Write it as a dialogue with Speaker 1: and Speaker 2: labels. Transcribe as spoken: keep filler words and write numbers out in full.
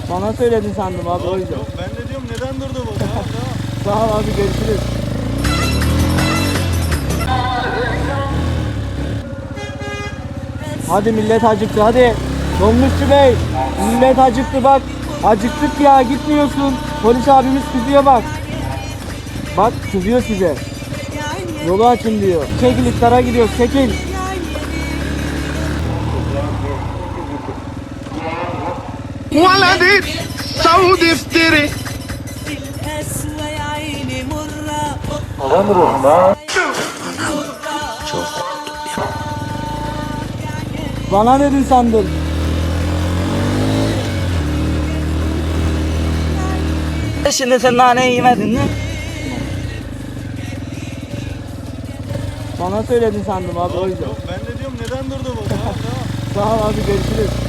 Speaker 1: Bana söyledin sandım abi, o yüzden.
Speaker 2: Yok, ben de diyorum neden durdu bu? Tamam,
Speaker 1: Sağ ol abi, görüşürüz. Hadi millet acıktı, hadi. Dolmuşçu bey, millet acıktı bak. Acıktık ya, gitmiyorsun. Polis abimiz kızıyor bak. Bak kızıyor size. Yolu açın diyor. Çekil, iftara gidiyoruz, çekil.
Speaker 3: ولدي سعود افتري
Speaker 1: Bana ne dedin sandın? Şimdi sen naneyi yemedin mi? Bana söyledin sandım abi, o yüzden.
Speaker 2: Yok, ben de diyorum neden durdu bu? Tamam, tamam.
Speaker 1: Sağ ol abi, görüşürüz.